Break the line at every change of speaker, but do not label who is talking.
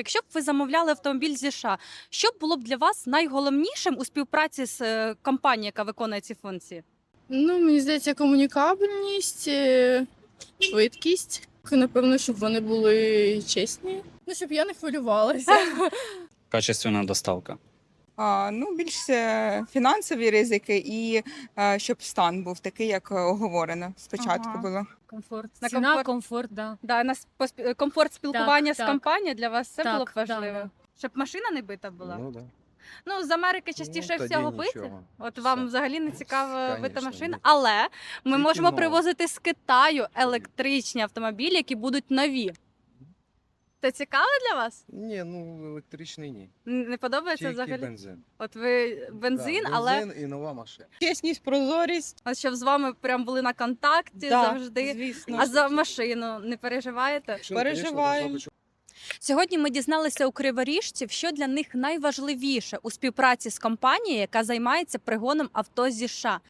якщо б ви замовляли автомобіль зі США, що б було б для вас найголовнішим у співпраці з компанією, яка виконує ці функції?
Ну, мені здається, комунікабельність, швидкість. Напевно, щоб вони були чесні. Ну, щоб я не хвилювалася.
Качественна доставка.
Більш фінансові ризики і щоб стан був такий, як оговорено спочатку
Ага.
було.
Комфорт.
На
Ціна,
комфорт.
комфорт, да.
Да, комфорт спілкування з
так.
компанією для вас це
Так,
було б
да,
важливо.
да.
Щоб машина не бита була.
Ну, да.
Ну, з Америки частіше
тоді
всього бити.
нічого.
От
Все.
вам взагалі не цікава бита
Конечно,
машина.
ні.
Але ми
Тільки
можемо
нова.
привозити з Китаю електричні автомобілі, які будуть нові. Це цікаво для вас?
Ні, ну електричний ні.
Не подобається
Тільки
взагалі?
бензин.
От ви бензин,
Да,
але
бензин і нова машина.
Чесність, прозорість.
от щоб з вами прям були на контакті завжди.
звісно.
А за машину не переживаєте?
Машина,
Переживаємо.
конечно,
Сьогодні ми дізналися у криворіжців, що для них найважливіше у співпраці з компанією, яка займається пригоном авто зі США.